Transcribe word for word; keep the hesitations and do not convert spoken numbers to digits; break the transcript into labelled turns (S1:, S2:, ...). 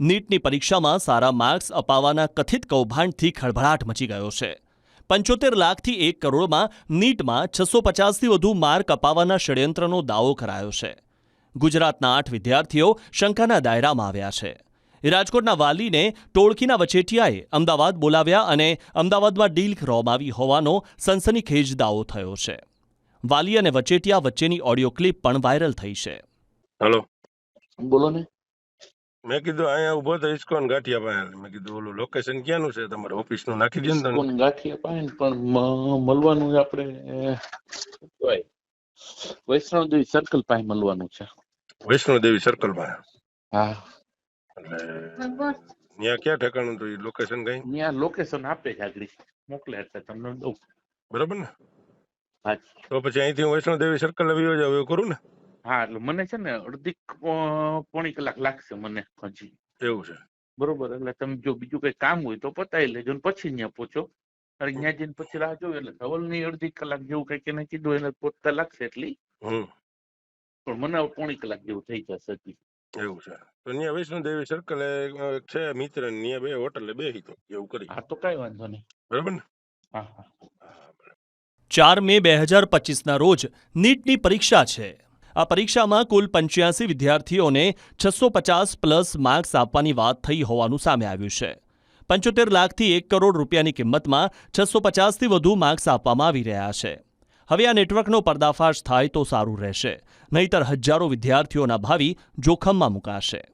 S1: નીટની પરીક્ષામાં સારા માર્ક્સ અપાવવાના કથિત કૌભાંડથી ખળભળાટ મચી ગયો છે. પંચોતેર લાખથી એક કરોડમાં નીટમાં છસો પચાસથી વધુ માર્ક અપાવવાના ષડયંત્રનો દાવો કરાયો છે. ગુજરાતના આઠ વિદ્યાર્થીઓ શંકાના દાયરામાં આવ્યા છે. રાજકોટના વાલીને ટોળકીના વચેટિયાએ અમદાવાદ બોલાવ્યા અને અમદાવાદમાં ડીલ રોમાવી હોવાનો સનસનીખેજ દાવો થયો છે. વાલી અને વચેટિયા વચ્ચેની ઓડિયો ક્લિપ પણ વાયરલ થઈ છે.
S2: હેલો,
S3: બોલો ને.
S2: મેં કીધું અહીંયા ઉભો તો ઇસ્કોન ગાંઠિયા પાસે. મેં કીધું ઓલું લોકેશન ક્યાંનું છે તમારે ઓફિસ નું નાખી દે ને તમે.
S3: ઇસ્કોન ગાંઠિયા પાસે પણ મ- મળવાનું આપણે શું કહેવાય, વૈષ્ણવદેવી સર્કલ પાસે મળવાનું છે.
S2: વૈષ્ણોદેવી સર્કલ પાસે.
S3: હા,
S2: એટલે ત્યાં ક્યાં ઠેકાણું તો લોકેશન કઈ
S3: ત્યાં લોકેશન આપે છે, આગળ મોકલે એટલે તમને દઉં.
S2: બરાબર ને?
S3: હા
S2: તો પછી અહીંથી હું વૈષ્ણોદેવી સર્કલ આવી જાવ એવું કરું ને?
S3: હા, એટલે મને છે ને અડધી અ, પોણી કલાક લાગશે મને હજી.
S2: એવું છે.
S3: બરોબર, એટલે તમે જો બીજું કઈ કામ હોય તો પતાવી લેજો ને પછી ત્યાં પહોંચો. અને ત્યાં જઈને પછી રાહ જોયો એટલે ધવલ ની અડધી કલાક જેવું કઈક એને કીધું એને પહોંચતા લાગશે એટલી,
S2: હમ
S3: પણ મને હવે પોણી કલાક જેવું થઈ જશે હજી.
S2: એવું છે. તો ત્યાં વૈષ્ણોદેવી સર્કલ છે મિત્ર, ત્યાં બે હોટલે બેસી તો એવું કરી.
S3: હા, તો કઈ વાંધો નહીં.
S2: બરાબર ને?
S3: હા હા.
S1: ચાર મે બે હજાર પચીસના રોજ નીટની પરીક્ષા છે. આ પરીક્ષામાં કુલ પંચ્યાસી વિદ્યાર્થીઓને છસો પચાસ પ્લસ માર્ક્સ આપવાની વાત થઈ હોવાનું સામે આવ્યું છે. પંચોતેર લાખથી એક કરોડ રૂપિયાની કિંમતમાં છસો પચાસથી વધુ માર્ક્સ આપવામાં આવી રહ્યા છે. હવે આ નેટવર્કનો પર્દાફાશ થાય તો સારું રહેશે, નહીંતર હજારો વિદ્યાર્થીઓના ભાવિ જોખમમાં મુકાશે.